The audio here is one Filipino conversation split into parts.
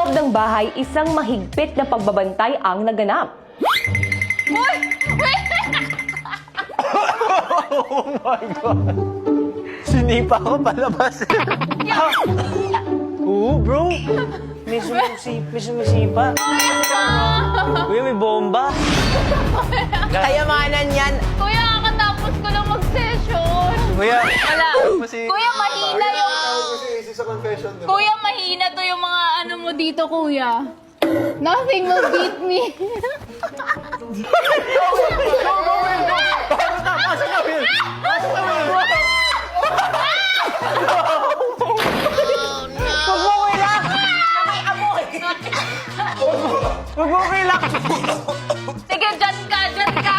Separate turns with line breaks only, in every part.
loob ng bahay, isang mahigpit na pagbabantay ang naganap.
Uy! Wait!
Oh my God! Sinipa ko palabas. Oo, bro. May sumisipa. Kuya, may bomba.
Kayamanan yan.
Kuya, kakatapos ko lang mag-session.
Kuya,
Wala. Kuya, mahina yung...
Sa confession, di ba?
Kuya, mahina to yung mga ano mo dito, kuya. Nothing will beat me.
Huwag mo kilak!
Sige, dyan ka, dyan ka.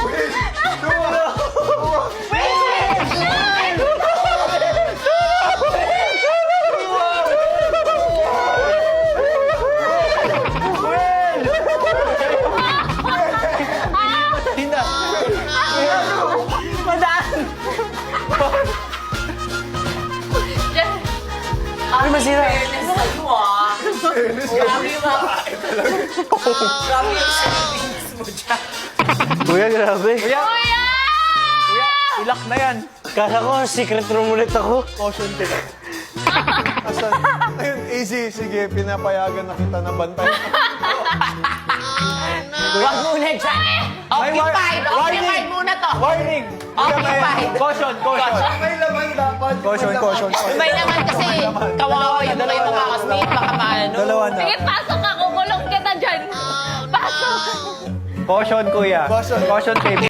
Dyan.
Ay, masira. Kuya, grabe. Kuya,
Kuya!
ilak na yan. Kala ko, secret room ulit ako.
Caution tip. Asan? Ayun, easy. Sige, pinapayagan na kita na bantay.
Huwag muna dyan. Occupied. Occupied muna to.
Warning!
Occupied.
Caution, caution.
May laman dapat.
Caution.
May naman kasi kawawa yung kayo mga kasmate. Baka maano.
Dalawa na.
Sige, pasok ka. Kukulong kita dyan. Pasok.
Caution, kuya.
Caution.
Caution tape.